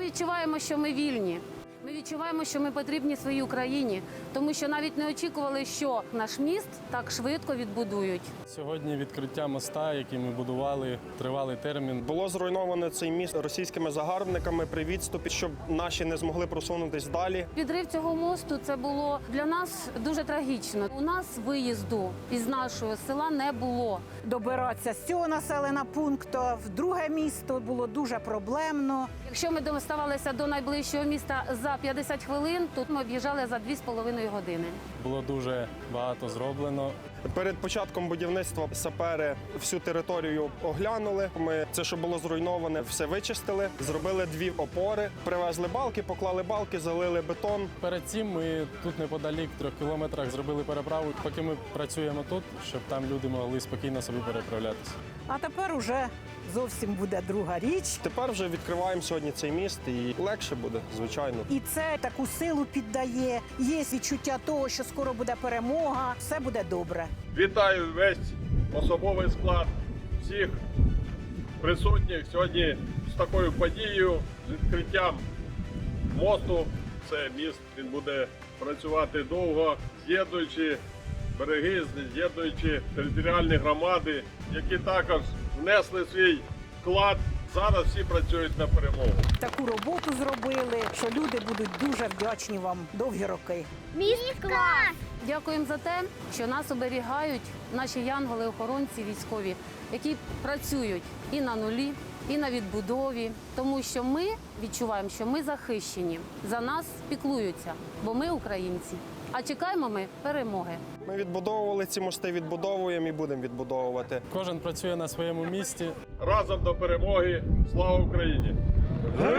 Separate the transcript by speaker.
Speaker 1: відчуваємо, що ми вільні. Ми відчуваємо, що ми потрібні своїй Україні, тому що навіть не очікували, що наш міст так швидко відбудують.
Speaker 2: Сьогодні відкриття моста, який ми будували, тривалий термін.
Speaker 3: Було зруйновано цей міст російськими загарбниками при відступі, щоб наші не змогли просунутись далі.
Speaker 1: Підрив цього мосту – це було для нас дуже трагічно. У нас виїзду із нашого села не було.
Speaker 4: Добиратися з цього населеного пункту в друге місто було дуже проблемно.
Speaker 1: Якщо ми доставалися до найближчого міста за 50 хвилин, тут ми об'їжджали за 2,5 години.
Speaker 2: Було дуже багато зроблено.
Speaker 3: Перед початком будівництва сапери всю територію оглянули. Ми це, що було зруйноване, все вичистили, зробили 2 опори, привезли балки, поклали балки, залили бетон.
Speaker 2: Перед цим ми тут неподалік, в 3 кілометрах, зробили переправу, поки ми працюємо тут, щоб там люди могли спокійно собі переправлятися.
Speaker 4: А тепер уже зовсім буде друга річ.
Speaker 3: Тепер вже відкриваємо сьогодні цей міст і легше буде, звичайно.
Speaker 4: І це таку силу піддає. Є відчуття того, що скоро буде перемога, все буде добре.
Speaker 5: Вітаю весь особовий склад всіх присутніх сьогодні з такою подією, з відкриттям мосту. Це міст, він буде працювати довго, з'єднуючи береги, з'єднуючи територіальні громади, які також внесли свій вклад. Зараз всі працюють на перемогу.
Speaker 4: Таку роботу зробили, що люди будуть дуже вдячні вам довгі роки.
Speaker 6: Міст клас!
Speaker 1: Дякуємо за те, що нас оберігають наші янголи-охоронці військові, які працюють і на нулі, і на відбудові, тому що ми відчуваємо, що ми захищені, за нас піклуються, бо ми українці. А чекаємо ми перемоги.
Speaker 3: Ми відбудовували ці мости, відбудовуємо і будемо відбудовувати.
Speaker 2: Кожен працює на своєму місці.
Speaker 5: Разом до перемоги! Слава Україні!